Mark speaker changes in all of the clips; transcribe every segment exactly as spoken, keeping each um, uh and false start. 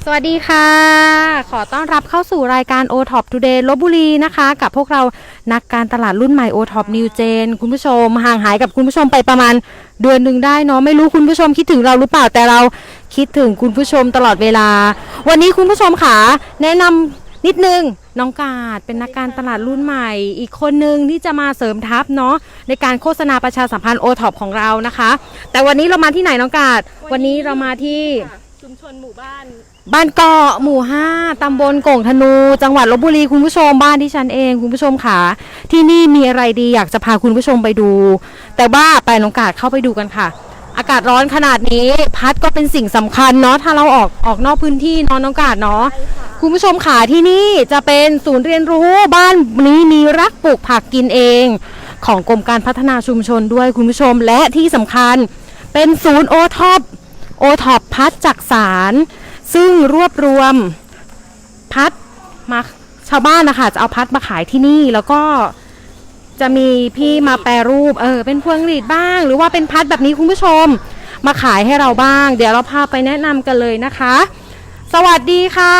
Speaker 1: สวัสดีค่ะขอต้อนรับเข้าสู่รายการ โอ ท็อป Today ลพบุรีนะคะกับพวกเรานักการตลาดรุ่นใหม่ โอ ท็อป New Gen คุณผู้ชมห่างหายกับคุณผู้ชมไปประมาณเดือนหนึ่งได้เนาะไม่รู้คุณผู้ชมคิดถึงเราหรือเปล่าแต่เราคิดถึงคุณผู้ชมตลอดเวลาวันนี้คุณผู้ชมค่ะแนะนำนิดนึงน้องกาดเป็นนักการตลาดรุ่นใหม่อีกคนนึงที่จะมาเสริมทัพเนาะในการโฆษณาประชาสัมพันธ์ โอ ท็อป ของเรานะคะแต่วันนี้เรามาที่ไหนน้องกาดวันนี้เรามาที่
Speaker 2: ชุมชนหมู่บ้าน
Speaker 1: บ้านเกาะหมู่ห้าตำบลโก่งธนูจังหวัดลพบุรีคุณผู้ชมบ้านที่ฉันเองคุณผู้ชมค่ะที่นี่มีอะไรดีอยากจะพาคุณผู้ชมไปดูแต่ว่าไปน้องกาดเข้าไปดูกันค่ะอากาศร้อนขนาดนี้พัดก็เป็นสิ่งสำคัญเนาะถ้าเราออกออกนอกพื้นที่เนาะน้องกาดเนาะคุณผู้ชมค่ะที่นี่จะเป็นศูนย์เรียนรู้บ้านนี้มีรักปลูกผักกินเองของกรมการพัฒนาชุมชนด้วยคุณผู้ชมและที่สำคัญเป็นศูนย์โอท็อปโอท็อปพัดจักสารซึ่งรวบรวมพัดมาชาวบ้านนะคะจะเอาพัดมาขายที่นี่แล้วก็จะมีพี่มาแปรรูปเออเป็นพวงหรีดบ้างหรือว่าเป็นพัดแบบนี้คุณผู้ชมมาขายให้เราบ้างเดี๋ยวเราพาไปแนะนำกันเลยนะคะสวัสดีค่ะ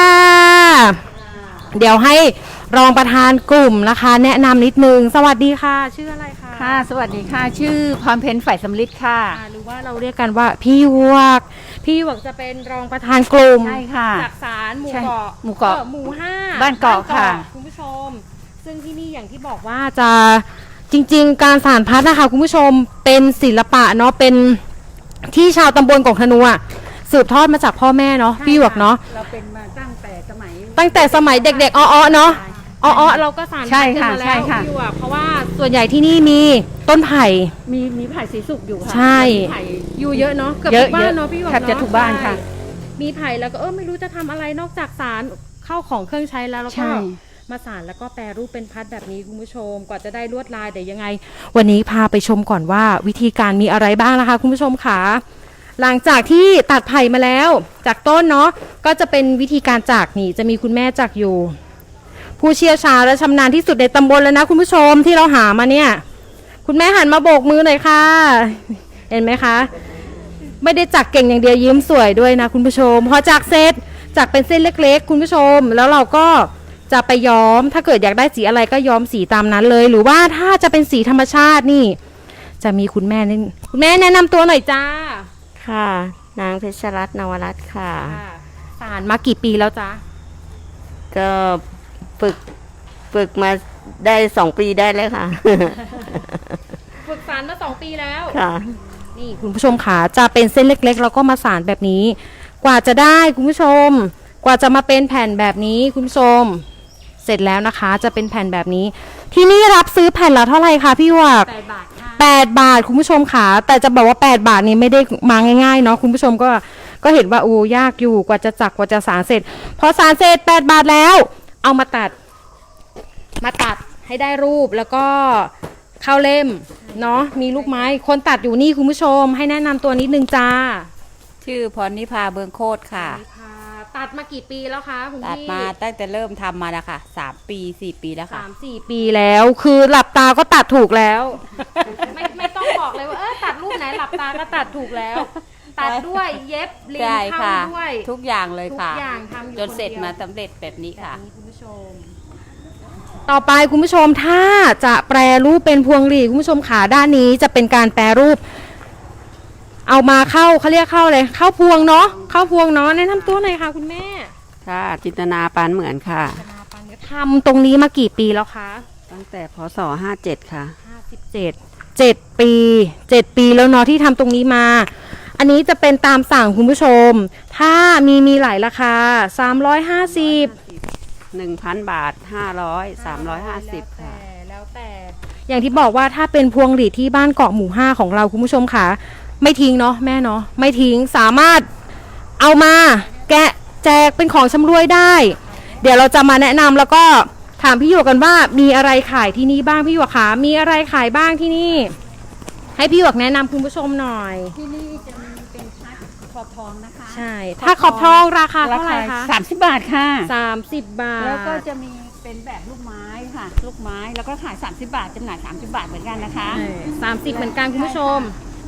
Speaker 1: เดี๋ยวให้รองประธานกลุ่มนะคะแนะนำนิดนึงสวัสดีค่ะชื่ออะไรคะ
Speaker 2: ค่ะสวัสดีค่ะชื่อพรเพ็ญฝ่ายสำลิดค่ะ
Speaker 1: หรือว่าเราเรียกกันว่าพี่หยวกพี่หยวกจะเป็นรองประธานกลุ่ม
Speaker 2: ใช่ค่ะ
Speaker 1: จากสารหมู่เกาะ
Speaker 2: หมู่เกาะ
Speaker 1: หมู่ห้า
Speaker 2: บ้านเกาะค่ะ
Speaker 1: คุณผู้ชมซึ่งที่นี่อย่างที่บอกว่าจะจริงๆการสานพัดนะคะคุณผู้ชมเป็นศิลปะเนาะเป็นที่ชาวตำบลโก่งธนูสืบทอดมาจากพ่อแม่เนาะพี่หยวกเนาะ
Speaker 2: เราเป็นมาตั้งแต่สมัย
Speaker 1: ตั้งแต่สมัยเด็กๆอ้อๆเนาะอ๋อเราก็สานพัดกันมาแล้วพี่หยวกเพราะว่าส่วนใหญ่ที่นี่มีต้นไผ่
Speaker 2: มีมีไผ่สีสุกอยู่ค่ะ
Speaker 1: ใช่อยู่เยอะเนาะเกือบทุกบ้านเนาะพี่หยวกเนาะ
Speaker 2: แทบจะทุกบ้านค่ะ
Speaker 1: มีไผ่แล้วก็เออไม่รู้จะทำอะไรนอกจากสารเข้าของเครื่องใช้แล้วแล้วก็มาสานแล้วก็แปรรูปเป็นพัดแบบนี้คุณผู้ชมกว่าจะได้ลวดลายแต่ยังไงวันนี้พาไปชมก่อนว่าวิธีการมีอะไรบ้างนะคะคุณผู้ชมค่ะหลังจากที่ตัดไผ่มาแล้วจากต้นเนาะก็จะเป็นวิธีการจักนี่จะมีคุณแม่จักอยู่ผู้เชี่ยวชาญและชำนาญที่สุดในตำบลแล้วนะคุณผู้ชมที่เราหามาเนี่ยคุณแม่หันมาโบกมือหน่อยค่ะเห็นไหมคะไม่ได้จักเก่งอย่างเดียวยิ้มสวยด้วยนะคุณผู้ชมพอจักเสร็จจักเป็นเส้นเล็กๆคุณผู้ชมแล้วเราก็จะไปย้อมถ้าเกิดอยากได้สีอะไรก็ย้อมสีตามนั้นเลยหรือว่าถ้าจะเป็นสีธรรมชาตินี่จะมีคุณแม่นี่คุณแม่แนะนำตัวหน่อยจ้า
Speaker 3: ค่ะนางเพชรรัตน์นวรัตน์ค่ะ
Speaker 1: สานมากี่ปีแล้วจ้า
Speaker 3: ก็ฝึกฝึกมาได้สองปีได้แล้วค่ะ
Speaker 1: ฝึกสานมาสองปีแล้ว
Speaker 3: ค่ะ
Speaker 1: นี่คุณผู้ชมค่ะจะเป็นเส้นเล็กๆแล้วก็มาสานแบบนี้กว่าจะได้คุณผู้ชมกว่าจะมาเป็นแผ่นแบบนี้คุณผู้ชมเสร็จแล้วนะคะจะเป็นแผ่นแบบนี้ที่นี่รับซื้อแผ่นละเท่าไหร่คะพี่หยวก
Speaker 2: แปดบาทค่ะ
Speaker 1: แปดบาทคุณผู้ชมค่ะแต่จะบอกว่าแปดบาทนี้ไม่ได้มาง่ายๆเนาะคุณผู้ชมก็ก็เห็นว่าโอ้ยากอยู่กว่าจะจักกว่าจะสานเสร็จพอสานเสร็จแปดบาทแล้วเอามาตัดมาตัดให้ได้รูปแล้วก็เข้าเล่มเนาะมีลูกไม้คนตัดอยู่นี่คุณผู้ชมให้แนะนำตัวนิดนึงจ้า
Speaker 2: ชื่อพรนิพาเบืองโคตรค่ะ
Speaker 1: ตัดมากี่ปีแล้วคะคุณพี่
Speaker 2: ตัดมาตั้งแต่เริ่มทำมาแล้วค่ะสามปีสี่ปีแล้วค่ะ
Speaker 1: สามสี่ปีแล้วคือหลับตาก็ตัดถูกแล้วไม่ไม่ต้องบอกเลยว่าเออตัดรูปไหนหลับตาก็ตัดถูกแล้วตัดด้วยเย็บเรียนเข้าด้วย
Speaker 2: ทุกอย่างเลยค่ะ
Speaker 1: ทุกอย่างทำอยู่
Speaker 2: จนเสร็จมาสำเร็จแบบนี้ค่ะ
Speaker 1: คุณผู้ชมต่อไปคุณผู้ชมถ้าจะแปรรูปเป็นพวงหรีดคุณผู้ชมขาด้านนี้จะเป็นการแปรรูปเอามาเข้าเขาเรียกเข้าเลยเข้าพวงเนาะเข้าพวงเนาะแนะนำตัวหน่อยค่ะคุณแม่
Speaker 3: ค่ะจินตนาปานเหมือนค่ะ
Speaker 1: ทำตรงนี้มากี่ปีแล้วคะ
Speaker 3: ตั้งแต่พศห้าเจ็ดค่ะ
Speaker 1: ห้าสิบเจ็ดเจ็ดปีเจ็ดปีแล้วเนาะที่ทำตรงนี้มาอันนี้จะเป็นตามสั่งคุณผู้ชมถ้ามีมีหลายราคาสามร้อยห้าสิบ
Speaker 3: หนึ่งพันบาทห้าร้อยสามร้อยห้าสิบค่ะ
Speaker 1: แล้วแต่อย่างที่บอกว่าถ้าเป็นพวงหรีดที่บ้านเกาะหมู่ห้าของเราคุณผู้ชมค่ะไม่ทิ้งเนาะแม่เนาะไม่ทิ้งสามารถเอามาแกะแจกเป็นของชำร่วยได้เดี๋ยวเราจะมาแนะนำแล้วก็ถามพี่หยวกกันว่ามีอะไรขายที่นี่บ้างพี่หยวกคะมีอะไรขายบ้างที่นี่ให้พี่หยวกแนะนำคุณผู้ชมหน่อย
Speaker 2: ที่นี่จะมีเป็นพัดขอบทองนะคะ
Speaker 1: ใช่ถ้าขอบทองราคาเท่าไหร่คะ
Speaker 2: สามสิบบาทค่ะ
Speaker 1: สามสิบบาท
Speaker 2: แล้วก็จะมีเป็นแบบลูกไม้ค่ะลูกไม้แล้วก็ขายสามสิบบาทจำหน่ายสามสิบบาทเหมือนกันนะคะ
Speaker 1: สามสิบเหมือนกันคุณผู้ชม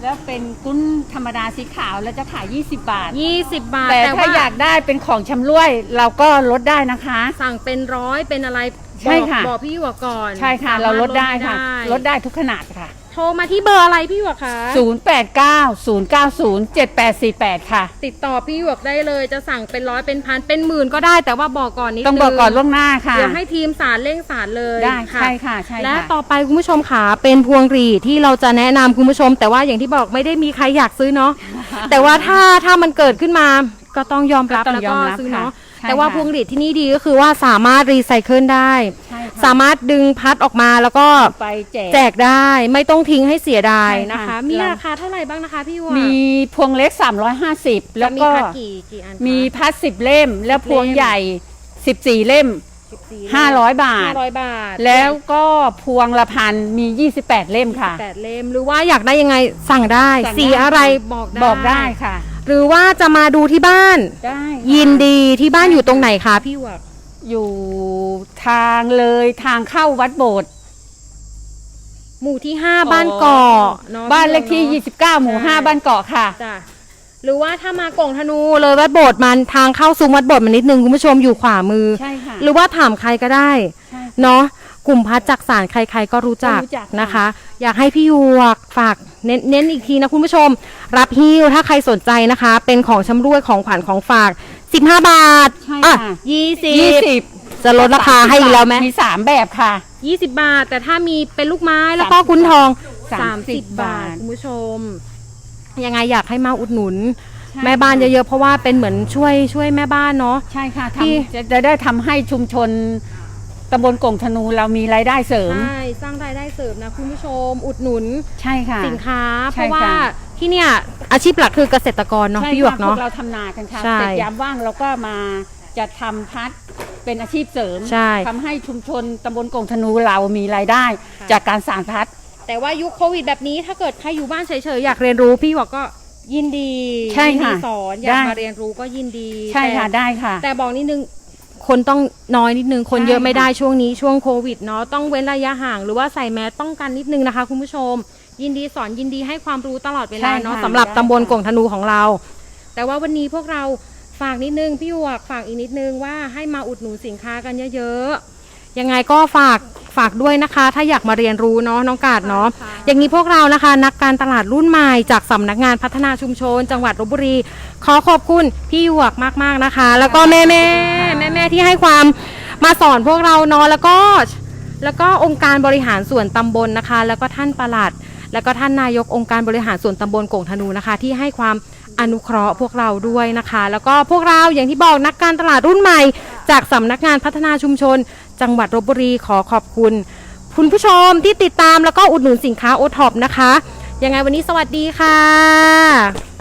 Speaker 4: แล้วเป็นกุ้นธรรมดาสีขาวแล้วจะขายยี่สิบบาท
Speaker 1: ยี่สิบบาท
Speaker 4: แต่
Speaker 1: แต่
Speaker 4: ถ้า
Speaker 1: ว่า
Speaker 4: อยากได้เป็นของชำร่วยเราก็ลดได้นะคะ
Speaker 1: สั่งเป็นร้อยเป็นอะไร
Speaker 4: ใช่ค่ะ
Speaker 1: บอกบอกพี่หยวกก่อน
Speaker 4: ใช่ค่ะ
Speaker 1: สม
Speaker 4: เรา
Speaker 1: ถ
Speaker 4: ลดได้ค่ะ
Speaker 1: ให้
Speaker 4: ลดได้ทุกขนาดค่ะ
Speaker 1: โทรมาที่เบอร์อะไรพี่หยวกคะ
Speaker 4: ศูนย์ แปด เก้า ศูนย์ เก้า ศูนย์ เจ็ด แปด สี่ แปด ค่ะ
Speaker 1: ติดต่อพี่หยวกได้เลยจะสั่งเป็นร้อยเป็นพันเป็นหมื่นก็ได้แต่ว่าบอกก่อนนิดนึง
Speaker 4: ต้องบอกก่อนล่วงหน้าค่ะ
Speaker 1: เดี๋ยวให้ทีมสารเร่งสารเลย
Speaker 4: ได้
Speaker 1: ค่ะ
Speaker 4: ใช่ค่ะใช่
Speaker 1: และ
Speaker 4: ค่ะ
Speaker 1: ต่อไปคุณผู้ชมขาเป็นพวงหรีดที่เราจะแนะนำคุณผู้ชม แต่ว่าอย่างที่บอกไม่ได้มีใครอยากซื้อเนาะ แต่ว่าถ้าถ้ามันเกิดขึ้นมาก็ต้องยอมรับ
Speaker 4: ก็ต้อง
Speaker 1: แล้ว
Speaker 4: ย
Speaker 1: ก็
Speaker 4: อมรับ
Speaker 1: ซื้อ
Speaker 4: ค่ะ
Speaker 1: เนาะ
Speaker 4: ใช่
Speaker 1: แต่ว่า
Speaker 4: ค่ะ
Speaker 1: พวงหรีดที่นี่ดีก็คือว่าสามารถรีไซเคิลได้
Speaker 4: ใช่ค่ะ
Speaker 1: สามารถดึงพัดออกมาแล้วก็
Speaker 4: ไปแจก
Speaker 1: แจกได้ไม่ต้องทิ้งให้เสียดาย
Speaker 4: ใช่ค่ะ
Speaker 1: นะคะ มี
Speaker 4: เรา
Speaker 1: ราคาเท่าไหร่บ้างนะคะพี่หยวก
Speaker 4: มีพวงเล็กสามร้อยห้าสิบ
Speaker 1: จะ
Speaker 4: แล้ว
Speaker 1: มี
Speaker 4: ก็
Speaker 1: พัดกี่กี่อันคะ
Speaker 4: มีพัดสิบเล่ม แล้วพวง
Speaker 1: เล่ม
Speaker 4: ใหญ่สิบสี่เล่ม
Speaker 1: สิบสี่
Speaker 4: ห้าร้อยบาท
Speaker 1: ห้าร้อยบาท
Speaker 4: แล้วก็พวงละพันมียี่สิบแปดเล่มค่ะ
Speaker 1: แปดเล่มหรือว่าอยากได้ยังไงสั่งได้
Speaker 4: สั่งได้
Speaker 1: สีอะไรบอกได้
Speaker 4: บอกได้ค่ะ
Speaker 1: หรือว่าจะมาดูที่บ้าน
Speaker 4: ได้ค่ะ
Speaker 1: ยินดีที่บ้านอยู่ตรงไหนคะพี่หยวก
Speaker 4: อยู่ทางเลยทางเข้าวัดโบสถ์
Speaker 1: หมู่ที่ห้าบ้านเกาะเนาะ
Speaker 4: บ้านเลขที่
Speaker 1: พี่หยวก
Speaker 4: ยี่สิบเก้า หมู่
Speaker 1: ใช่
Speaker 4: ห้า บ้านเกาะค่ะ
Speaker 1: จ้ะหรือว่าถ้ามากล่องธนูเลยวัดโบสถ์มันทางเข้าซุ้มวัดโบสถ์มันนิดนึงคุณผู้ชมอยู่ขวามือ
Speaker 4: ใช่ค่ะ
Speaker 1: หรือว่าถามใครก็ได้
Speaker 4: ใช่
Speaker 1: เนาะกลุ่มพัดจักสารใครๆก็รู้จัก
Speaker 4: ก็รู้จักค่ะ
Speaker 1: นะคะ อยากให้พี่หยวกฝากเน้นเน้นอีกทีนะคุณผู้ชม รับฮิ้วถ้าใครสนใจนะคะ เป็นของชำร่วยของขวัญของฝากสิบห้าบาท
Speaker 4: ใช่
Speaker 1: อ่ะ
Speaker 4: ค่ะ
Speaker 1: ยี่สิ
Speaker 4: ยี่
Speaker 1: บ
Speaker 4: สิบ
Speaker 1: จะลดราคาให้อีกแล้วไหม
Speaker 4: มีสามแบบค่ะ
Speaker 1: ยี่สิบบาท แต่ถ้ามีเป็นลูกไม้แล้วก็คุณทอง
Speaker 4: สาม
Speaker 1: สาม
Speaker 4: สิ
Speaker 1: สิ
Speaker 4: บ
Speaker 1: บบาท
Speaker 4: บาท
Speaker 1: คุณผู้ชม ยังไงอยากให้มาอุดหนุน
Speaker 4: ใช่
Speaker 1: แม่บ้าน
Speaker 4: ค่ะ
Speaker 1: เยอะๆเพราะว่าเป็นเหมือนช่วยช่วยแม่บ้านเนาะ
Speaker 4: ใช่ค่ะ
Speaker 1: ที่
Speaker 4: ทำจะจะได้ทำให้ชุมชนตำบลกงธนูเรามีรายได้เสริม
Speaker 1: ใช่สร้างรายได้เสริมนะคุณผู้ชม อุดหนุน
Speaker 4: ใช่ค่ะ
Speaker 1: สินค้า เพ
Speaker 4: ใช่
Speaker 1: ราะว่า
Speaker 4: ค่ะ
Speaker 1: ที่เนี่ยอาชีพหลักคือเกษตรกรเนาะ
Speaker 4: ใช่
Speaker 1: พี่หยวก
Speaker 4: ค่ะพ
Speaker 1: เนาะ
Speaker 4: วกเราทำนากันค่ะ
Speaker 1: ใช่
Speaker 4: เสร็จยามว่างเราก็มาจะทำพัดเป็นอาชีพเสริม
Speaker 1: ใช่
Speaker 4: ทำให้ชุมชนตำบลกงธนูเรามีรายได้
Speaker 1: ค่ะ
Speaker 4: จากการสานพัด
Speaker 1: แต่ว่ายุคโควิดแบบนี้ถ้าเกิดใครอยู่บ้านเฉยๆอยากเรียนรู้พี่หยวกก็ยินดี
Speaker 4: ใช่
Speaker 1: ยินดี
Speaker 4: ค่ะ
Speaker 1: สอนอยาก
Speaker 4: ได้
Speaker 1: มาเรียนรู้ก็ยินดี
Speaker 4: ใช่ค่ะ
Speaker 1: แต่
Speaker 4: ได้ค่ะ
Speaker 1: แต่บอกนิดนึงคนต้องน้อยนิดนึงคน
Speaker 4: ใช่
Speaker 1: เยอะไม่ได้
Speaker 4: ค่ะ
Speaker 1: ช่วงนี้ช่วงโควิดเนาะต้องเว้นระยะห่างหรือว่าใส่แมสป้องกันนิดนึงนะคะคุณผู้ชม ยินดีสอนยินดีให้ความรู้ตลอดเวลา
Speaker 4: ใช่
Speaker 1: เนาะ
Speaker 4: ค่ะ
Speaker 1: สำหรับ
Speaker 4: ได้
Speaker 1: ตำบล
Speaker 4: ค่ะ
Speaker 1: กงธนูของเรา แต่ว่าวันนี้พวกเราฝากนิดนึงพี่หยวกฝากอีกนิดนึงว่าให้มาอุดหนุนสินค้ากันเยอะๆยังไงก็ฝากฝากด้วยนะคะ ถ้าอยากมาเรียนรู้เนาะน้องกาดเนาะอย่างนี้พวกเรานะคะ นักการตลาดรุ่นใหม่จากสำนักงานพัฒนาชุมชน จังหวัดลพบุรี ขอขอบคุณพี่หยวกมากๆนะคะ แล้วก็แม่แม่แม่แม่ๆที่ให้ความมาสอนพวกเราเนาะแล้วก็ แล้วก็องค์การบริหารส่วนตำบลนะคะ แล้วก็ท่านปลัด แล้วก็ท่านนายกองค์การบริหารส่วนตำบลโก่งธนูนะคะ ที่ให้ความอนุเคราะห์พวกเราด้วยนะคะ แล้วก็พวกเราอย่างที่บอกนักการตลาดรุ่นใหม่ จากสำนักงานพัฒนาชุมชน จังหวัดลพบุรีขอขอบคุณ คุณผู้ชมที่ติดตามแล้วก็อุดหนุนสินค้าโอท็อปนะคะยังไงวันนี้สวัสดีค่ะ